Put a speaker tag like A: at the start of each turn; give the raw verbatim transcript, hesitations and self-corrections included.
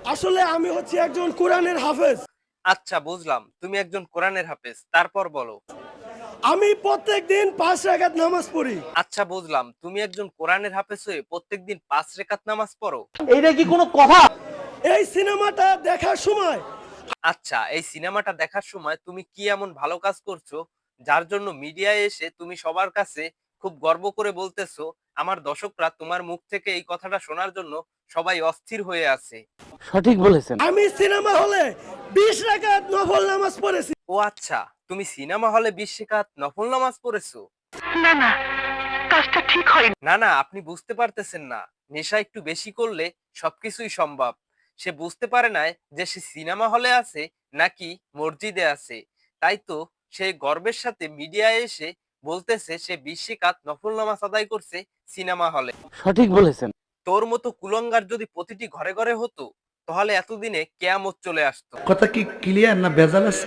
A: আসলে আমি হচ্ছি একজন কোরআনের হাফেজ।
B: আচ্ছা বুঝলাম, তুমি একজন কোরআনের হাফেজ, তারপর বলো।
A: আমি প্রত্যেকদিন পাঁচ রাকাত নামাজ পড়ি।
B: আচ্ছা বুঝলাম, তুমি একজন কোরআনের হাফেজ হয়ে প্রত্যেকদিন পাঁচ রেকাত নামাজ পড়ো।
C: এইটা কি কোনো কথা?
A: এই সিনেমাটা দেখার সময়
B: আচ্ছা, এই সিনেমাটা দেখার সময় তুমি কি এমন ভালো কাজ করছো যার জন্য মিডিয়ায় এসে তুমি সবার কাছে খুব গর্ব করে বলতেছো? আমার দর্শকরা তোমার মুখ থেকে এই কথাটা শোনার জন্য সবাই অস্থির হয়ে আছে।
C: সঠিক বলেছেন।
A: আমি সিনেমা হলে বিশ রাকাত নফল নামাজ পড়েছি।
B: ও আচ্ছা, তুমি সিনেমা হলে বিশ রেকাত নফল নামাজ পড়েছো? না না, আপনি বুঝতে পারতেছেন না। নেশা একটু বেশি করলে সবকিছুই সম্ভব। সে বুঝতে পারে না যে সে সিনেমা হলে আছে নাকি মসজিদে আছে। তাই তো সে গর্বের সাথে মিডিয়ায় এসে বলতেছে সে বিশ রাকাত নফল নামাজ আদায় করছে সিনেমা হলে।
C: সঠিক বলেছেন।
B: তোর মতো কুলঙ্গার যদি প্রতিটি ঘরে ঘরে হতো তাহলে এতদিনে কেয়ামত চলে আসতো।
D: কথা কি ক্লিয়ার না ভেজাল আছে?